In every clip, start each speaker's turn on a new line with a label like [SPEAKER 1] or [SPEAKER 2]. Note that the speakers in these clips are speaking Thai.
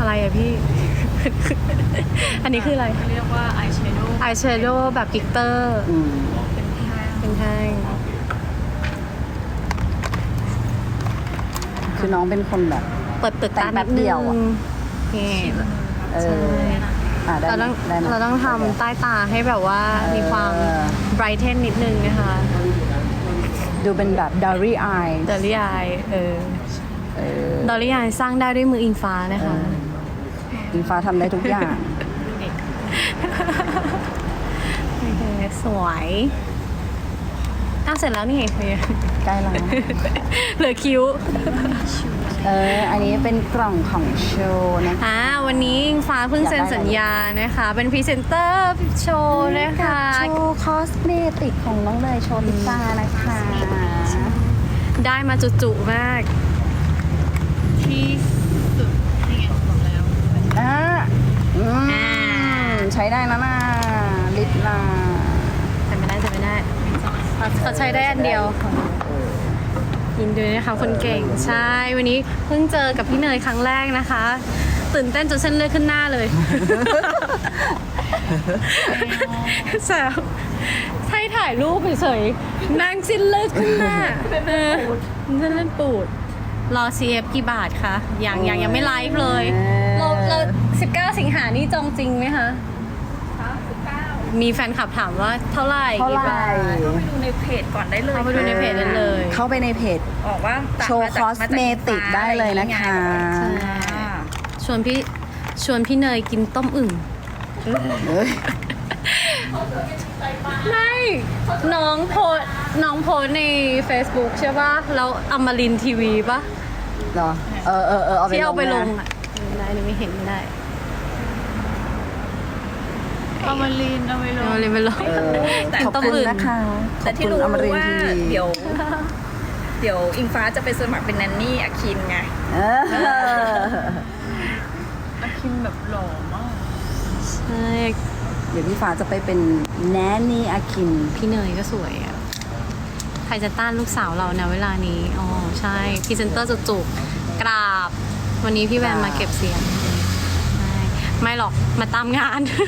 [SPEAKER 1] อะไรอะพี่ อันนี้คืออะไร
[SPEAKER 2] เรียกว่าอายแชโดว์
[SPEAKER 1] แบบกลิตเตอร์เป็นแท่ง
[SPEAKER 3] คือน้องเป็นคนแบบ
[SPEAKER 1] เปิด
[SPEAKER 3] แต่
[SPEAKER 1] ตาง
[SPEAKER 3] แป๊บเดียวอะ
[SPEAKER 1] นี่
[SPEAKER 3] ได้
[SPEAKER 1] เราต้องทำใต้ตาให้แบบว่ามีความไบรท์เทนนิดนึงนะคะ
[SPEAKER 3] ดูเป็นแบบ Dairy Eye
[SPEAKER 1] ดอลลี่อายดอลลี่อายสร้างได้ด้วยมืออิงฟ้านะคะ
[SPEAKER 3] อิงฟ้าทำได้ทุกอย่าง
[SPEAKER 1] โอเคสวยเสร็จแล้วนี่เพื่อน
[SPEAKER 3] ใกล้แล้ว
[SPEAKER 1] เหลือคิ้ว
[SPEAKER 3] อันนี้เป็นกล่องของโชว์นะคะ
[SPEAKER 1] วันนี้อิงฟ้าเพิ่งเซ็นสัญญานะคะ เป็นพรีเซนเตอร์โชว์นะคะ
[SPEAKER 3] โชว์คอสเมติกของน้องเลยโชว์ลิซ่านะคะ
[SPEAKER 1] ได้มาจุๆมาก
[SPEAKER 2] ที่สุดนี่ไงบอกแล้ว
[SPEAKER 3] ใช้ได้นะน่าลิปลา
[SPEAKER 1] แต่ไม่ได้เขาใช้ได้อันเดียวยินดีนะคะคนเก่งใช่วันนี้เพิ่งเจอกับพี่เนยครั้งแรกนะคะ ตื่นเต้นจนเส้นเลือดขึ้นหน้าเลยแซวให้ถ่ายรูปเฉยๆนั่งสิ้นเลือดขึ้นหน้าเส้นเลือดปูดรอ CF กี่บาทคะยังไม่ไลฟ์เลยเรา19 สิงหานี่จองจริงไหมคะมีแฟนคลับถามว่าเท่าไหร่
[SPEAKER 3] เข้าไป
[SPEAKER 2] ดูในเพจก่อนได้เลย
[SPEAKER 1] เข้าไปดูในเพจได้เลย
[SPEAKER 3] เข้าไปในเพจ
[SPEAKER 2] บอกว่า
[SPEAKER 3] โชว์คอสเมติกได้เลยนะคะ
[SPEAKER 1] ชวนพี่เนยกินต้มอึ่งไม่น้องโพสใน Facebook ใช่ป่ะแล้วอมรินทร์ทีวีป่ะ
[SPEAKER 3] เหรอ
[SPEAKER 1] ที่เอาไปลง
[SPEAKER 3] นะ
[SPEAKER 1] อ่ะไม่เห็นไม่ได้
[SPEAKER 2] เอามาลีนเอาไปลง
[SPEAKER 1] เอาเลยไปลง
[SPEAKER 3] ขอบคุณนะคะ
[SPEAKER 2] แต่ที่รู้
[SPEAKER 3] ขอบคุณอมรินท
[SPEAKER 2] ว่า
[SPEAKER 3] ร์ทีวี
[SPEAKER 2] เดี๋ยวอิงฟ้าจะไปสมัครเป็นแนนนี่อาคินไงอาคินแบบหล่อมาก
[SPEAKER 1] ใช่
[SPEAKER 3] เดี๋ยวพี่ฟ้าจะไปเป็นแนนนี่อาคิน
[SPEAKER 1] พี่เนยก็สวยอ่ะใครจะต้านลูกสาวเรานะเวลานี้อ๋อใช่พรีเซนเตอร์จุกๆกราบวันนี้พี่แวนมาเก็บเสียงไม่หรอกมาตามงาน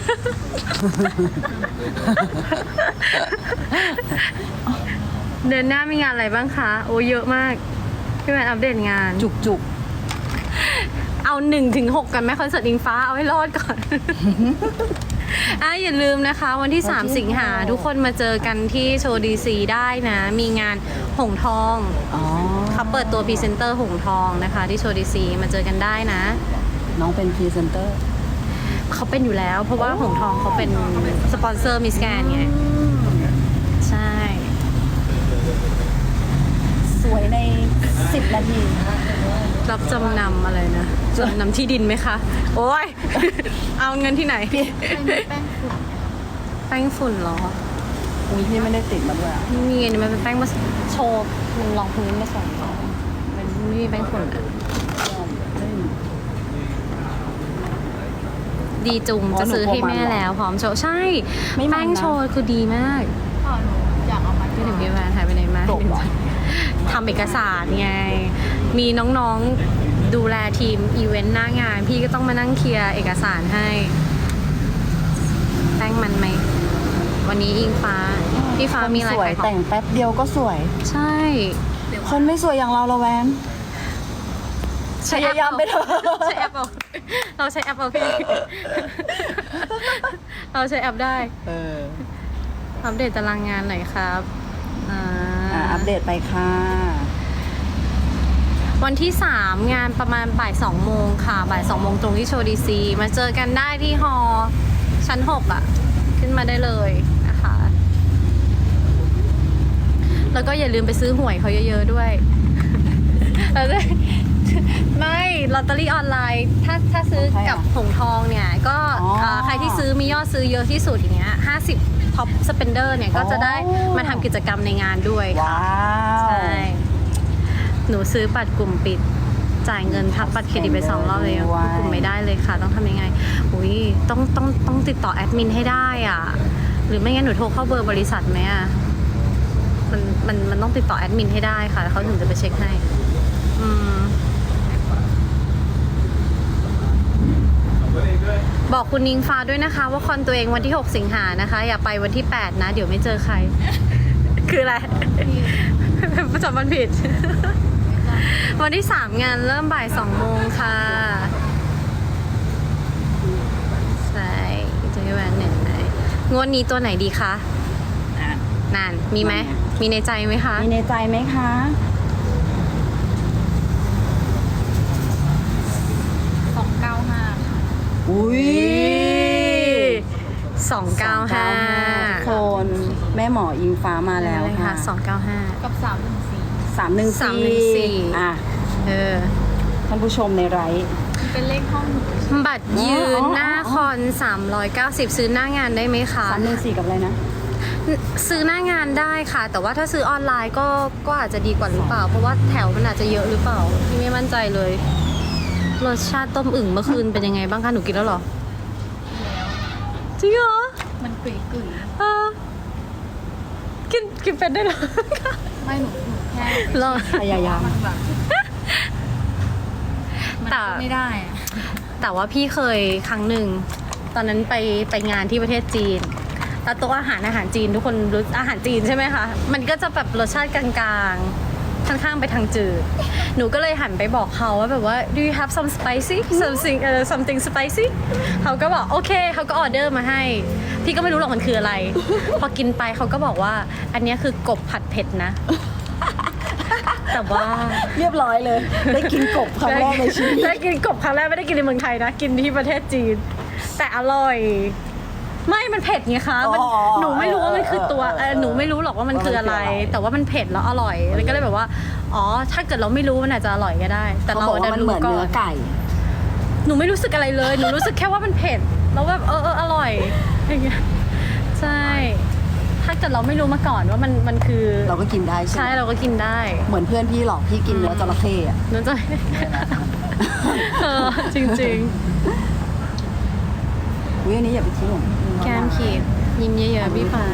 [SPEAKER 1] เดือนหน้ามีงานอะไรบ้างคะโอ้เยอะมากพี่แมนอัปเดตงาน
[SPEAKER 3] จุก
[SPEAKER 1] เอา1-6กันไหมคอนเสิร์ตอิงฟ้าเอาให้รอดก่อน อย่าลืมนะคะวันที่3 สิงหาทุกคนมาเจอกันที่โชว์ดีซีได้นะมีงานหงทองเขาเปิดตัวพรีเซนเตอร์หงทองนะคะที่โชว์ดีซีมาเจอกันได้นะ
[SPEAKER 3] น้องเป็นพรีเซนเตอร์
[SPEAKER 1] เขาเป็นอยู่แล้วเพราะว่าหงทองเขาเป็นสปอนเซอร์มิสแกรนด์ไงใช่
[SPEAKER 3] สวยใน10 นาที
[SPEAKER 1] รับจำนำอะไรนะจำนำที่ดินไหมคะ โอ้ย เอาเงินที่ไหนแป้งฝุ่นเหรอ
[SPEAKER 3] อุ้ยพี่ไม่ได้ติดมาด้วย
[SPEAKER 1] ไม่มีอันนี้มันเป็นแป้งมาโชว์มันรองพื้นมาส่งมันไม่มีแป้งฝุ่นอะดีจุงจะซื้อให้แม่แล้วพร้อมโชว์ใช่แป้งโชว์คือดีมาก
[SPEAKER 2] อยากเอามา
[SPEAKER 1] พี่ถึงพี่แวนหายไปไหนมาทำเอกสารไงมีน้องๆดูแลทีมอีเวนต์หน้างานพี่ก็ต้องมานั่งเคลียร์เอกสารให้แป้งมันไหมวันนี้อิงฟ้าพี่ฟ้ามีอะไร
[SPEAKER 3] สวย
[SPEAKER 1] ขายของ
[SPEAKER 3] แต่งแป๊บเดียวก็สวย
[SPEAKER 1] ใช่
[SPEAKER 3] คนไม่สวยอย่างเราแวน พยายามไปเถอะ
[SPEAKER 1] ใช้แอปเอาเราใช้แอปเอาพี่ เราใช้แอปได้อัปเดตตารางงานหน่อยครับ
[SPEAKER 3] อัปเดตไปค่ะ
[SPEAKER 1] วันที่3งานประมาณบ่าย2 โมงค่ะบ่าย2 โมงตรงที่โชว์ดีซีมาเจอกันได้ที่ฮอชั้น6อ่ะขึ้นมาได้เลยนะคะแล้วก็อย่าลืมไปซื้อหวยเขาเยอะๆด้วย แล้วไม่ลอตเตอรี่ออนไลน์ถ้าซื้อกับหงทองเนี่ยก็ใครที่ซื้อมียอดซื้อเยอะที่สุดอย่างเงี้ย50 ท็อปสเปนเดอร์เนี่ยก็จะได้มาทำกิจกรรมในงานด้วยค่ะ
[SPEAKER 3] ว้าว
[SPEAKER 1] ใช่หนูซื้อบัตรกลุ่มปิดจ่ายเงินทับบัตรเครดิตไป2 รอบเลยกลุ่มไม่ได้เลยค่ะต้องทำยังไงอุ้ยต้องติดต่อแอดมินให้ได้อ่ะหรือไม่งั้นหนูโทรเข้าเบอร์บริษัทไหมอ่ะมันต้องติดต่อแอดมินให้ได้ค่ะเขาถึงจะไปเช็คให้บอกคุณนิงฟ้าด้วยนะคะ ว่าคอนตัวเองวันที่ 6 สิงหานะคะ อย่าไปวันที่ 8 นะ เดี๋ยวไม่เจอใคร คืออะไร จำมันผิด วันที่ 3 งานเริ่มบ่าย 2 โมงค่ะใช่จะให้แหวนเนี่ยไหนงวดนี้ตัวไหนดีคะนานมีไหมมีในใจไหมคะ
[SPEAKER 3] มีในใจไหมคะ
[SPEAKER 2] 295
[SPEAKER 3] อุ้ย
[SPEAKER 1] 295
[SPEAKER 3] คนแม่หมออิงฟ้ามาแล้ว
[SPEAKER 1] เลย
[SPEAKER 3] ค่ะ
[SPEAKER 1] ค่ะ295
[SPEAKER 2] กับ 314
[SPEAKER 3] 314อ่ะ
[SPEAKER 1] เออ
[SPEAKER 3] ท่านผู้ชมในไลฟ์
[SPEAKER 2] เป็นเลขห้องหนู
[SPEAKER 1] บัตรยืนหน้าคอน 390 ซื้อหน้างานได้ไหมคะ
[SPEAKER 3] 314กับอะไรนะ
[SPEAKER 1] ซื้อหน้างานได้ค่ะ แต่ว่าถ้าซื้อออนไลน์ก็อาจจะดีกว่าหรือเปล่า เพราะว่าแถวมันอาจจะเยอะหรือเปล่าพี่ไม่มั่นใจเลยรสชาติต้มอึ่งเมื่อคืนเป็นยังไงบ้างคะหนูกินแล้วเหรอจริงเหรอ
[SPEAKER 2] มันกึ่ย
[SPEAKER 1] เออกินเป็นได้เหรอ
[SPEAKER 2] ๆไม่หนูแค่
[SPEAKER 1] ลอง
[SPEAKER 3] พยายาม
[SPEAKER 2] มันแบบมัน
[SPEAKER 1] แต่
[SPEAKER 2] ไม่ได้อะ
[SPEAKER 1] แต่ว่าพี่เคยครั้งหนึ่งตอนนั้นไปงานที่ประเทศจีนแล้วโต๊ะอาหารจีนทุกคนรู้อาหารจีนใช่ไหมคะมันก็จะแบบรสชาติกลางๆค่อนข้างไปทางจืดหนูก็เลยหันไปบอกเขาว่าแบบว่า do you have some spicy something spicy เขาก็บอกโอเคเขาก็ออเดอร์มาให้พี่ก็ไม่รู้หรอกมันคืออะไร พอกินไปเขาก็บอกว่าอันเนี้ยคือกบผัดเผ็ดนะ แต่ว่า
[SPEAKER 3] เรียบร้อยเลย ได้กินกบครั้งแรกในชีวิต
[SPEAKER 1] ได้กินกบครั้งแรกไม่ได้กินในเมืองไทยนะ กินที่ประเทศจีน แต่อร่อย ไม่มันเผ็ดไงคะมัน
[SPEAKER 3] อ๋อ
[SPEAKER 1] หนูไม่รู้ว่ามันคือตัว
[SPEAKER 3] เออ
[SPEAKER 1] หนูไม่รู้หรอกว่ามันคืออะไร
[SPEAKER 3] ว่ามันคืออะไร
[SPEAKER 1] แต่ว่ามันเผ็ดแล้วอร่อยแล้วก็เลยแบบว่าอ๋อถ้าเกิดเราไม่รู้มันอาจจะอร่อยก็ได้ แต่
[SPEAKER 3] เขา
[SPEAKER 1] เรา
[SPEAKER 3] บอกว่า
[SPEAKER 1] ดั
[SPEAKER 3] มัน
[SPEAKER 1] น
[SPEAKER 3] เห
[SPEAKER 1] รู้
[SPEAKER 3] มือน
[SPEAKER 1] ก่อ
[SPEAKER 3] เนื้อน ไก่
[SPEAKER 1] หนูไม่รู้สึกอะไรเลย หนูรู้สึกแค่ว่ามันเผ็ดแล้วแบบอร่อยอย่างเงี้ยใช่ถ้าเกิดเราไม่รู้มาก่อนว่ามันคือ
[SPEAKER 3] เราก็กินได้ใช่
[SPEAKER 1] ใช่
[SPEAKER 3] ไหม
[SPEAKER 1] เราก็กินได้
[SPEAKER 3] เหมือนเพื่อนพี่หรอกพี่กินเนื้อจระเข้อะ
[SPEAKER 1] นั่นจะเออจริง
[SPEAKER 3] อุ้ยอันนี้อย่าไปทิ้งของพี่
[SPEAKER 1] ๆ แก้มขีดยิ้มเยอะๆพี่ฟ้า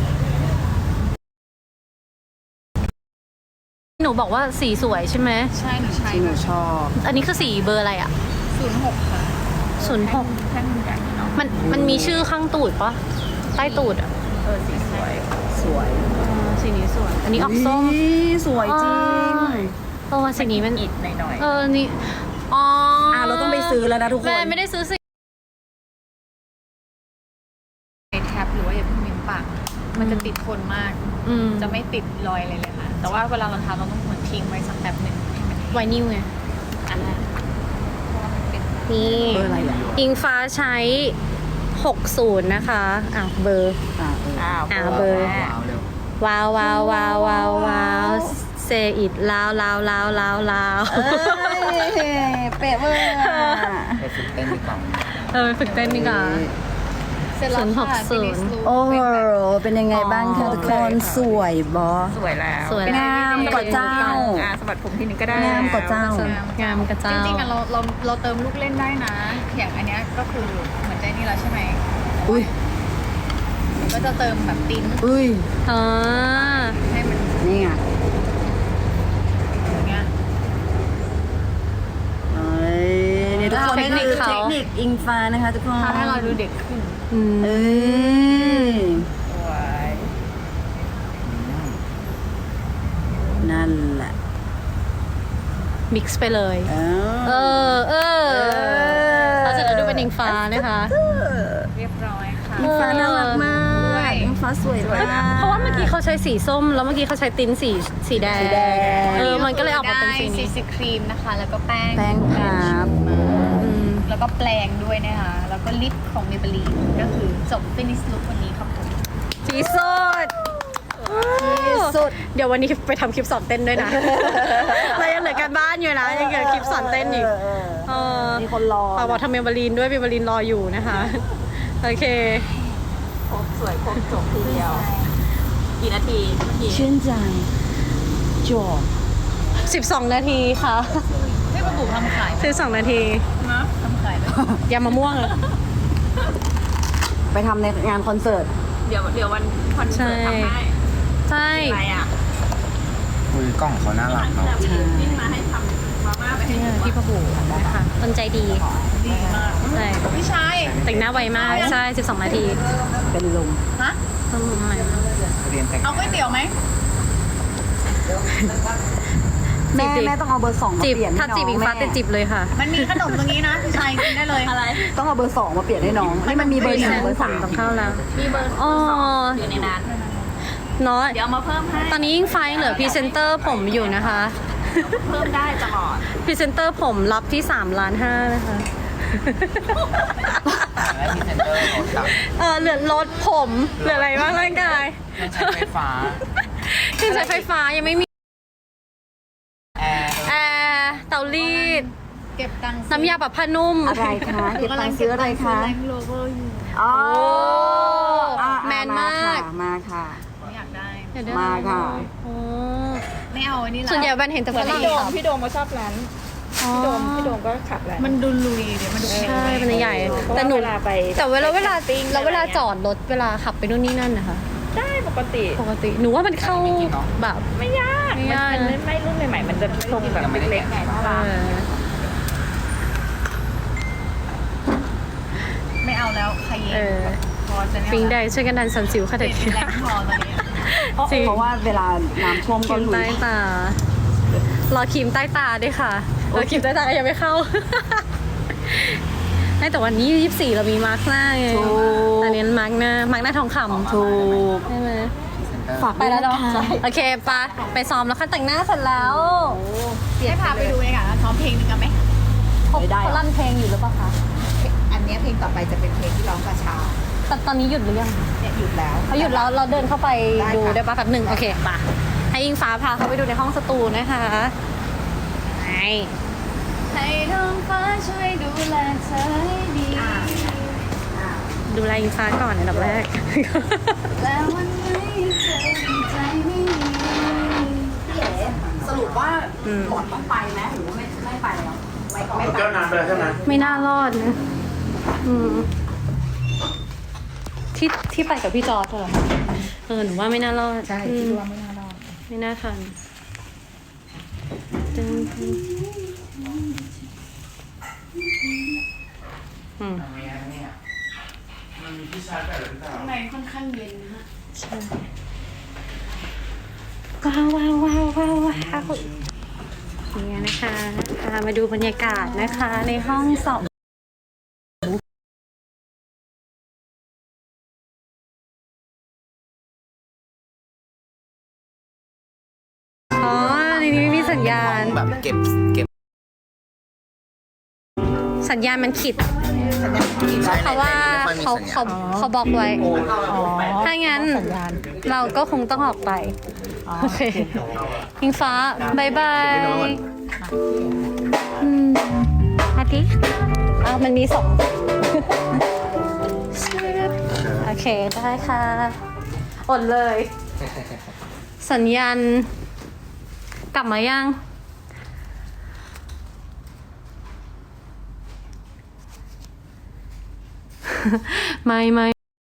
[SPEAKER 1] หนูบอกว่าสีสวยใช่ไหม
[SPEAKER 2] ใช่หนูใช้
[SPEAKER 3] ที่หนูชอบ
[SPEAKER 1] อันนี้คือสีเบอร์อะไรอ่ะ
[SPEAKER 2] 06 ค่ะ
[SPEAKER 1] 06
[SPEAKER 2] แท่งใหญ่เนาะ
[SPEAKER 1] มันมีชื่อข้างตูดปะใต้ตูดอ่ะ
[SPEAKER 2] สีสวย
[SPEAKER 3] สวย
[SPEAKER 1] สีนี้สวย อันนี้ออกส้ม
[SPEAKER 3] อุ๊ยสวยจริง
[SPEAKER 1] เพราะว่าสีนี้มัน
[SPEAKER 2] อิดหน่อย
[SPEAKER 1] นี่อ๋อ
[SPEAKER 3] เราต้องไปซื้อแล้วนะทุกคน
[SPEAKER 1] แม่ไม่ได้ซื้อสิ
[SPEAKER 2] ๆในแท็บหรือว่าอย่าเพิ่งมิ้มปากมันจะติดทนมาก
[SPEAKER 1] อืม
[SPEAKER 2] จะไม่ติดรอยอะไรเลยค่ะ แต่ว่าเวลาเราทาเราต้องเหมือนทิ้งไว้สักแบบหนึ่งให้มัน
[SPEAKER 1] ไวนิวไง
[SPEAKER 2] อันนั้นเพราะว่ามันเป็น
[SPEAKER 1] นี่
[SPEAKER 3] เบอร์อะไรอ่ะ
[SPEAKER 1] อิงฟ้าใช้ 60 นะคะเบอร์ เบอร์ ว้าวว้าวว้าวว้าวว้าวเซอิดลาวลาวลาวลาวลาว
[SPEAKER 3] เอ้ยเป๊ะเวอร์อะ
[SPEAKER 4] ไปฝึกเต้นดีกว่า
[SPEAKER 1] ไปฝึกเต้นดีกว่า
[SPEAKER 2] เสร็จแล้วค่ะ
[SPEAKER 1] 060
[SPEAKER 2] Finish look
[SPEAKER 3] โอ้โห
[SPEAKER 2] เป็นแบบ
[SPEAKER 3] เป็นยังไงบ้างคะทุกคนสวยบอ
[SPEAKER 2] สวยแล้ว
[SPEAKER 1] สวย
[SPEAKER 2] เป็น
[SPEAKER 3] งามกว่าเจ้า
[SPEAKER 2] สะบัดผมทีนึงก็ได้
[SPEAKER 3] งามกว่าเจ้า
[SPEAKER 1] งามกระเจ้า
[SPEAKER 2] จริงๆอะเราเติมลูกเล่นได้นะอย่างอันเนี้ยก็คือเหมือนใจนี่แล้วใช่ไหม
[SPEAKER 3] อุ้ย
[SPEAKER 2] ก็จะเติมแบบติ้น
[SPEAKER 3] อุ้ย
[SPEAKER 1] อ๋อ
[SPEAKER 2] ให้มัน
[SPEAKER 3] นี่ไง
[SPEAKER 2] อย่างเงี้ย
[SPEAKER 3] เอ้ยนี่ทุกคน
[SPEAKER 1] เทคนิค
[SPEAKER 3] คือ
[SPEAKER 1] เขา
[SPEAKER 3] เทคนิคอิงฟ้านะคะทุกคน
[SPEAKER 2] ทำให้เราดูเด็กขึ้น
[SPEAKER 1] อืม
[SPEAKER 3] เอ้ย
[SPEAKER 2] สวย
[SPEAKER 3] นั่นแหละ
[SPEAKER 1] มิกซ์ไปเลย
[SPEAKER 3] เอ
[SPEAKER 1] เราจะดูเป็นอิงฟ้านะคะ
[SPEAKER 2] เรียบร้อยค่ะ
[SPEAKER 3] อิงฟ้าน่ารักมาก
[SPEAKER 2] ด้วย
[SPEAKER 3] อิงฟ้าสวยมาก
[SPEAKER 1] เพราะว่าเมื่อกี้เขาใช้สีส้ม แล้วเมื่อกี้เขาใช้ติ้นสีแดง
[SPEAKER 3] สีแดง
[SPEAKER 1] มันก็เลยออกมาเป็นสีนี้
[SPEAKER 2] ซีครีมนะคะ แล้วก็แป้ง
[SPEAKER 3] แป้งครับ
[SPEAKER 1] อืม
[SPEAKER 2] แล้วก็แปรงด้วยนะคะ แล้วก็ลิปของ Maybelline ก็คือจบ finish look วันนี้ครับผม
[SPEAKER 1] สีสุด
[SPEAKER 3] สุด
[SPEAKER 1] เดี๋ยววันนี้ไปทำคลิปสอนเต้นด้วยนะ เรายังเหลือการบ้านอยู่นะ ยังเหลือคลิปสอนเต้นอีก
[SPEAKER 3] มีคนรอ
[SPEAKER 1] ฝากบอกทำเมลบาลีนด้วยเมลบาลีนรออยู่นะคะ โอเค
[SPEAKER 2] ครบสวยครบจบทีเดียว กี่นาทีเมื่อกี้
[SPEAKER 3] ชื่นใจจบ
[SPEAKER 1] 12 นาทีค่ะ
[SPEAKER 2] ให้ประบุทำขายไหม
[SPEAKER 1] 12 นาที
[SPEAKER 2] นะทำขายไหม
[SPEAKER 1] ยำมะม่วงอะ
[SPEAKER 3] ไปทำในงานคอนเสิร์ต
[SPEAKER 2] เดี๋ยววันคอนเสิร์ตทำให้
[SPEAKER 1] ใช่
[SPEAKER 2] อะไรอ่ะ
[SPEAKER 4] คุยกล้องเขาน่ารักเนาะ
[SPEAKER 2] ที่มาให้ทำมาม่าไปให้
[SPEAKER 1] พี่ประบูนะคะต้นใจดี
[SPEAKER 2] ดีมาก
[SPEAKER 1] ใช่
[SPEAKER 2] พี่ชาย
[SPEAKER 1] แต่งหน้าไวมาก ใช่ 12 นาที
[SPEAKER 3] เป็นลม
[SPEAKER 2] ฮะ
[SPEAKER 1] ต้องใหม่
[SPEAKER 4] เรียนแต่ง
[SPEAKER 2] เอาก๋วยเตี๋ยวไหม
[SPEAKER 3] แม่
[SPEAKER 1] จิบ
[SPEAKER 3] แม่ต้องเอาเบอร์2มา
[SPEAKER 1] จิบ
[SPEAKER 3] เปลี่ยนให้
[SPEAKER 1] ถ้า
[SPEAKER 3] น้อง
[SPEAKER 1] จิบอิงฟ้า
[SPEAKER 3] แม่
[SPEAKER 1] จะจิบเลยค่ะ
[SPEAKER 2] มันมีขนมตรงนี้นะพี่ชายกินได้เลยอะไร
[SPEAKER 3] ต้องเอาเบอร์2มาเปลี่ยนให้น้องนี่มันมีเบอร์1เบอร์
[SPEAKER 1] ต้องเข้าแล้ว
[SPEAKER 2] มีเบอร์
[SPEAKER 1] อ๋อ
[SPEAKER 2] อยู่ในนั้น
[SPEAKER 1] เนาะ
[SPEAKER 2] เดี๋ยวเอามาเพิ่มให้
[SPEAKER 1] ตอนนี้อิงฟ้ายังเหลือพรีเซนเตอร์ผมอยู่นะคะ
[SPEAKER 2] เพิ่มได้ตลอด
[SPEAKER 1] พรีเซนเตอร์ผมรับที่3.5 ล้านนะคะ
[SPEAKER 4] และพรีเซนเตอร์รถกับ
[SPEAKER 1] เหลือรถผมเหลืออะไรบ้างร่างกาย
[SPEAKER 4] เครื่องใช้ไฟฟ้า
[SPEAKER 1] เครื่องใช้ไฟฟ้ายังไม่มี
[SPEAKER 4] แอร์
[SPEAKER 1] แอร์เตารีด
[SPEAKER 2] เก็บตังค์
[SPEAKER 1] น้ำยาปรับผ้านุ่ม
[SPEAKER 3] อะไรคะเก็บตังค์ซื้ออะไรคะ
[SPEAKER 2] แรงโลเวอร์อยู่
[SPEAKER 3] อ๋อ
[SPEAKER 1] โอ้แมนมาก
[SPEAKER 3] มาค่ะ
[SPEAKER 2] อยากได้
[SPEAKER 1] เดี๋ยวเดี๋ยว
[SPEAKER 3] มาค่ะ
[SPEAKER 1] โอ้
[SPEAKER 2] ไม่เอาอันนี้ละ
[SPEAKER 1] ส่วนใหญ่แบนเห็นแต่ฝรั่งขับ
[SPEAKER 5] พี่โดมก็ชอบร้าน
[SPEAKER 1] อ๋อ
[SPEAKER 5] พี่โดมก็ขับร้าน
[SPEAKER 2] มันดูลุยเดี๋ยวมันดู
[SPEAKER 1] ใช่มันใหญ่
[SPEAKER 5] เพราะ
[SPEAKER 1] แต่
[SPEAKER 5] ว่า
[SPEAKER 1] หนู
[SPEAKER 5] เวลาไป
[SPEAKER 1] แต่เวลา
[SPEAKER 5] ไปแคมปิ้ง
[SPEAKER 1] แล้วเวลา
[SPEAKER 5] อะไรเงี้ย
[SPEAKER 1] จอดรถเวลาขับไปนู่นนี่นั่นนะคะ
[SPEAKER 5] ได้ปกติ
[SPEAKER 1] ปกติหนูว่ามันเข้าแบบ
[SPEAKER 5] ไม่ยาก
[SPEAKER 1] ไม่ยาก
[SPEAKER 5] มันไม่รุ่นใหม่ๆ มันจะทรงแบบเล็กๆไงน่า
[SPEAKER 1] เอ
[SPEAKER 5] รัก
[SPEAKER 1] อ
[SPEAKER 2] ไม่เอาแล้วใครเย็
[SPEAKER 1] เอน อ
[SPEAKER 2] พอจะไม่
[SPEAKER 1] ปิง
[SPEAKER 2] เอา
[SPEAKER 1] ได้
[SPEAKER 2] แล้ว
[SPEAKER 1] ช่วยกันดันสันสิวค่ะ
[SPEAKER 2] เด็
[SPEAKER 1] เด็
[SPEAKER 2] ก
[SPEAKER 1] ก
[SPEAKER 2] แรงพอตอนนี้
[SPEAKER 1] จริง
[SPEAKER 3] เพราะว่าเวลาน้ำท่วมก็
[SPEAKER 1] ครีม
[SPEAKER 3] ลุ
[SPEAKER 1] ใต้
[SPEAKER 3] ย
[SPEAKER 1] ตารอครีมใต้ตาด้วยค่ะครีมใต้ตาก็ยังไม่เข้า ไม่แต่วันนี้24เรามีมาร์กหน้าไง
[SPEAKER 3] ถูก
[SPEAKER 1] อันนี้มาร์กหน้าทองคำ
[SPEAKER 3] ถูก
[SPEAKER 1] ใช่ไหม
[SPEAKER 3] ฝาก
[SPEAKER 1] ไปแล้วเนาะ
[SPEAKER 3] ด้วยนะคะ
[SPEAKER 1] โอเคไปซ้อมแล้วค่ะแต่งหน้าเสร็จแล้ว
[SPEAKER 2] ให้พาไปดูเลยค่ะซ้อมเพลงหนึงกันไหม
[SPEAKER 1] เขาลั่นเพลงอยู่หรือเปล่าคะ
[SPEAKER 6] อันเนี้ยเพลงต่อไปจะเป็นเพลงที่ร้องกระชา
[SPEAKER 1] แต่ตอนนี้หยุดหรือยังคะ
[SPEAKER 6] เนี่ยหยุดแล้ว
[SPEAKER 1] เขาหยุดแล้วเราเดินเข้าไป
[SPEAKER 6] ได้ค่ะ
[SPEAKER 1] ดูได้ปะแป๊บหนึ่งโอเคปะให้อิงฟ้าพาเขาไปดูในห้องสตูนะคะไป
[SPEAKER 2] ให้ท้องฟ้าช่วยดูแลเธอให้ดี
[SPEAKER 1] ดูแลอิงฟ้าก่อนอันดับแรก
[SPEAKER 2] แล้ววันไหนเธอใจไม่ดี
[SPEAKER 3] พี่เอ๋สรุปว่า
[SPEAKER 1] อืม
[SPEAKER 3] หมอนต้องไปไหมหรือว่าไม่ไปแล้วไม่ไป
[SPEAKER 7] เจ้านานไปแล้วใช่ไหม
[SPEAKER 1] ไม่น่ารอดนะอืมที่ไปกับพี่จอร์จเหรอหนูว่าไม่น่ารอด
[SPEAKER 6] ใช่คิดว่าไม่น่ารอด
[SPEAKER 1] ไม่น่าทันตึ้งอืม
[SPEAKER 7] มันมีที่ชาร์จแบตหรือเปล่า
[SPEAKER 2] ข้างในค่อนข้างเย็นนะฮะ
[SPEAKER 1] ใช่ว้าวเนี่ยนะคะพามาดูบรรยากาศนะคะ ในห้องสอบอ๋อในนี้ไม่มีสัญญาณ
[SPEAKER 4] แบบเก็บ
[SPEAKER 1] สัญญาณมันขิด
[SPEAKER 4] ใช่
[SPEAKER 1] เพราะว่า
[SPEAKER 4] ไม่ค่อยมี
[SPEAKER 1] เขา
[SPEAKER 4] สัญญาณ
[SPEAKER 1] เขาบล็อกไว้ ถ้างั้นเราก็คงต้องออกไปโอเคอิงฟ้าบายบายอาทิตย์มันมีสอง โอเค ได้ค่ะ อดเลย สัญญาณกลับมายัง ไม่